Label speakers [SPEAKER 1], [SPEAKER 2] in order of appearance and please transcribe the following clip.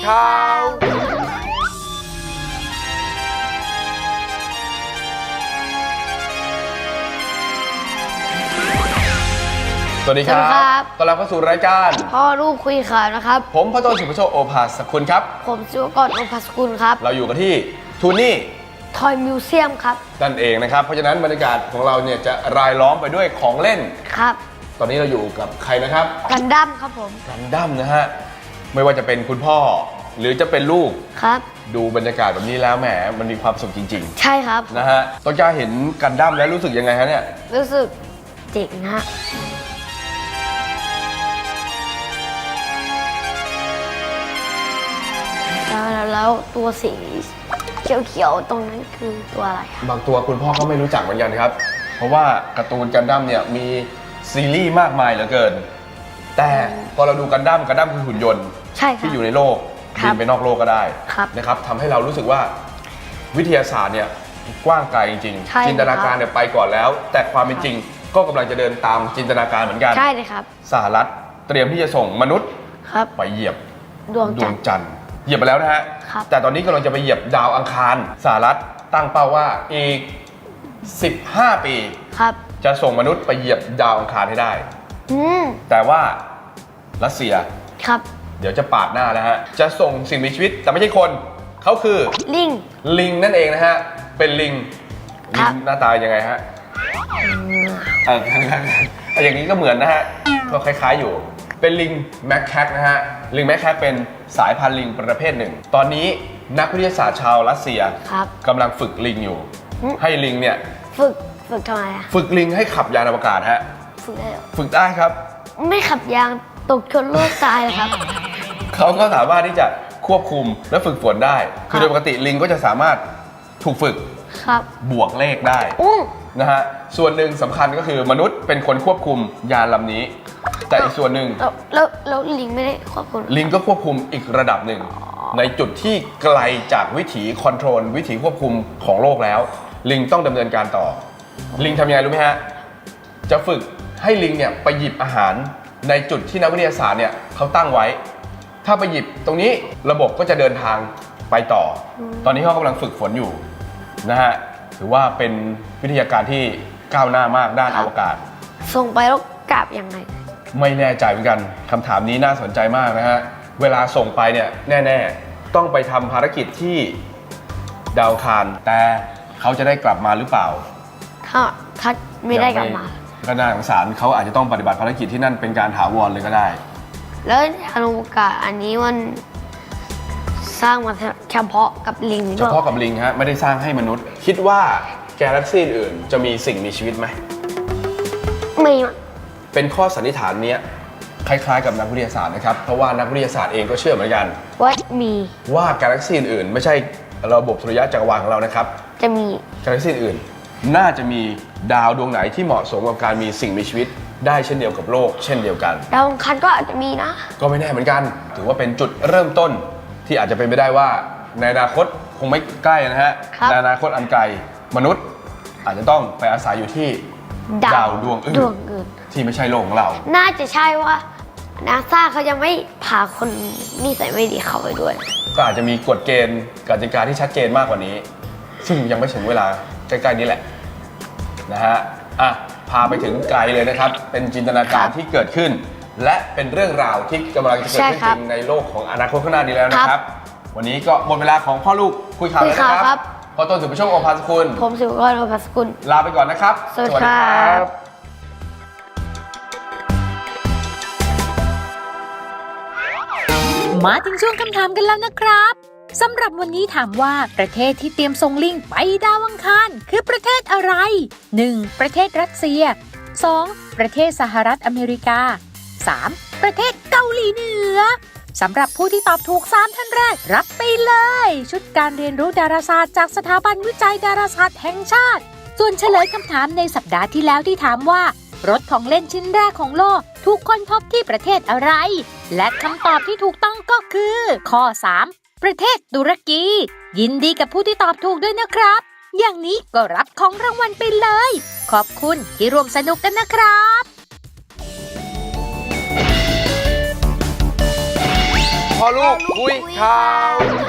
[SPEAKER 1] ข่าว สวัสดีครับต้อนรับเข้าสู่รายการ
[SPEAKER 2] พ่อลูกคุยข่าวนะครับ
[SPEAKER 1] ผมพระโตสุภโชคโอภาสกุลครับ
[SPEAKER 2] ผมศิวกรโอภาสกุลครับ
[SPEAKER 1] เราอยู่กันที่ทูนี่
[SPEAKER 2] ทอยมิวเซียมครับ
[SPEAKER 1] นั่นเองนะครับเพราะฉะนั้นบรรยากาศของเราเนี่ยจะรายล้อมไปด้วยของเล่น
[SPEAKER 2] ครับ
[SPEAKER 1] ตอนนี้เราอยู่กับใครนะครับ
[SPEAKER 2] กันดั้มครับผม
[SPEAKER 1] กันดั้มนะฮะไม่ว่าจะเป็นคุณพ่อหรือจะเป็นลูก
[SPEAKER 2] ครับ
[SPEAKER 1] ดูบรรยากาศแบบนี้แล้วแหมมันมีความสุขจริง
[SPEAKER 2] ๆใช่ครับ
[SPEAKER 1] นะฮะต้นกล้าเห็นกันดั้มแล้วรู้สึกยังไงฮะเนี่ย
[SPEAKER 2] รู้สึกเจ๋งฮะแล้วตัวสีเขียวๆตรงนั้นคือตัวอะไร
[SPEAKER 1] บางตัวคุณพ่อก็ไม่รู้จักเหมือนกันครับเพราะว่าการ์ตูนกันดั้มเนี่ยมีซีรีส์มากมายเหลือเกินแต่พอเราดูกันดั้มคือหุ่นยนต์ที่อยู่ในโลกบินไปนอกโลกก็ได้นะครับทำให้เรารู้สึกว่าวิทยาศาสตร์เนี่ยกว้างไกลจริงๆจินตนาการเนี่ยไปก่อนแล้วแต่ความเป็นจริงก็กำลังจะเดินตามจินตนาการเหมือนกัน
[SPEAKER 2] ใช่เลยครับ
[SPEAKER 1] สหรัฐเตรียมที่จะส่งมนุษย์ไปเหยียบ
[SPEAKER 2] ดวงจันทร์
[SPEAKER 1] เหยียบไปแล้วนะฮะแต่ตอนนี้กำลังจะไปเหยียบดาวอังคารสหรัฐตั้งเป้าว่าอีก15 ปีจะส่งมนุษย์ไปเหยียบดาวอังคารให้ได้แต่ว่ารัสเซียเดี๋ยวจะปาดหน้าแล้วฮะจะส่งสิ่งมีชีวิตแต่ไม่ใช่คนเขาคือลิงนั่นเองนะฮะเป็นลิงหน้าตายังไงฮะอย่างนี้ก็เหมือนนะฮะก็คล้ายๆอยู่เป็นลิงแมคแคคนะฮะลิงแมคแคคเป็นสายพันธุ์ลิงประเภทหนึ่งตอนนี้นักวิทยาศาสตร์ชาวรัสเซียกำลังฝึกลิงอยู่ให้ลิงเนี่ย
[SPEAKER 2] ฝึกทำไมอะ
[SPEAKER 1] ฝึกลิงให้ขับยานอวกาศฮะฝึกได้ครับ
[SPEAKER 2] ไม่ขับยางตกชนโลกตายเลยครับ
[SPEAKER 1] เขาก็สามารถที่จะควบคุมและฝึกฝนได้คือโดยปกติลิงก็จะสามารถถูกฝึกบวกเลขได้นะฮะส่วนหนึ่งสำคัญก็คือมนุษย์เป็นคนควบคุมยานลำนี้แต่อีกส่วนหนึ่ง
[SPEAKER 2] แล้วลิงไม่ได้ควบคุม
[SPEAKER 1] ลิงก็ควบคุมอีกระดับหนึ่งในจุดที่ไกลจากวิถีคอนโทรลวิถีควบคุมของโลกแล้วลิงต้องดำเนินการต่อลิงทำยังไงรู้ไหมฮะจะฝึกให้ลิงเนี่ยไปหยิบอาหารในจุดที่นักวิทยาศาสตร์เนี่ยเขาตั้งไว้ถ้าไปหยิบตรงนี้ระบบก็จะเดินทางไปต่อตอนนี้เขากำลังฝึกฝนอยู่นะฮะถือว่าเป็นวิทยาการที่ก้าวหน้ามากด้านอวกาศ
[SPEAKER 2] ส่งไปแล้วกลับยังไง
[SPEAKER 1] ไม่แน่ใจเหมือนกันคำถามนี้น่าสนใจมากนะฮะเวลาส่งไปเนี่ยแน่ๆต้องไปทำภารกิจที่ดาวอังคารแต่เขาจะได้กลับมาหรือเปล่า
[SPEAKER 2] ถ้าไม่ได้กลับมา
[SPEAKER 1] ก็น่าสงสารเขาอาจจะต้องปฏิบัติภารกิจที่นั่นเป็นการถาวรเลยก็ได้
[SPEAKER 2] แล้วยานอวกาศอันนี้มันสร้างมาเฉพาะกับลิง
[SPEAKER 1] เฉพาะกับลิงฮะไม่ได้สร้างให้มนุษย์คิดว่าแกาแล็กซี่อื่นจะมีสิ่งมีชีวิตไหม
[SPEAKER 2] ไม่
[SPEAKER 1] เป็นข้อสันนิษฐานนี้คล้ายๆกับนักวิทยาศาสตร์นะครับเพราะว่านักวิทยาศาสตร์เองก็เชื่อเหมือนกันว่ากาแล็กซี่อื่นไม่ใช่ระบบสุริยะจักรวาลของเรานะครับ
[SPEAKER 2] จะมี
[SPEAKER 1] กาแล็กซี่อื่นน่าจะมีดาวดวงไหนที่เหมาะสมกับการมีสิ่งมีชีวิตได้เช่นเดียวกับโลกเช่นเดียวกัน
[SPEAKER 2] ดาวอังคารก็อาจจะมีนะ
[SPEAKER 1] ก็ไม่แน่เหมือนกันถือว่าเป็นจุดเริ่มต้นที่อาจจะเป็นไปได้ว่าในอนาคตคงไม่ใกล้นะฮะในอนาคตอันไกลมนุษย์อาจจะต้องไปอาศัยอยู่ที่ดาวดวงอื่นที่ไม่ใช่โลกของเรา
[SPEAKER 2] น่าจะใช่ว่านาซาเขายังไม่พาคนนิสัยไม่ดีเข้าไปด้วย
[SPEAKER 1] ก็อาจจะมีกฎเกณฑ์กติกาที่ชัดเจนมากกว่านี้ซึ่งยังไม่ถึงเวลาใกล้ๆนี้แหละนะฮะพาไปถึงไกลเลยนะครับเป็นจินตนาการที่เกิดขึ้นและเป็นเรื่องราวที่กำลังจะเกิดขึ้นจริงในโลกของอนาคตข้างหน้านี้แล้วนะครับวันนี้ก็หมดเวลาของพ่อลูกคุยข่าวแล้วนะครับพ่อต้นสุภโชคโอภาสกุล
[SPEAKER 2] ผมศิวกรโอภาสกุล
[SPEAKER 1] ลาไปก่อนนะครับ
[SPEAKER 2] สวัสดีครับ
[SPEAKER 3] มาถึงช่วงคำถามกันแล้วนะครับสำหรับวันนี้ถามว่าประเทศที่เตรียมส่งลิงไปดาวอังคารคือประเทศอะไร 1. ประเทศรัสเซีย 2. ประเทศสหรัฐอเมริกา 3. ประเทศเกาหลีเหนือสำหรับผู้ที่ตอบถูก3ท่านแรกรับไปเลยชุดการเรียนรู้ดาราศาสตร์จากสถาบันวิจัยดาราศาสตร์แห่งชาติส่วนเฉลยคำถามในสัปดาห์ที่แล้วที่ถามว่ารถของเล่นชิ้นแรกของโลกถูกค้นพบที่ประเทศอะไรและคำตอบที่ถูกต้องก็คือข้อ 3ประเทศตุรกียินดีกับผู้ที่ตอบถูกด้วยนะครับอย่างนี้ก็รับของรางวัลไปเลยขอบคุณที่ร่วมสนุกกันนะครับ
[SPEAKER 1] พ่อลูกคุยข่าว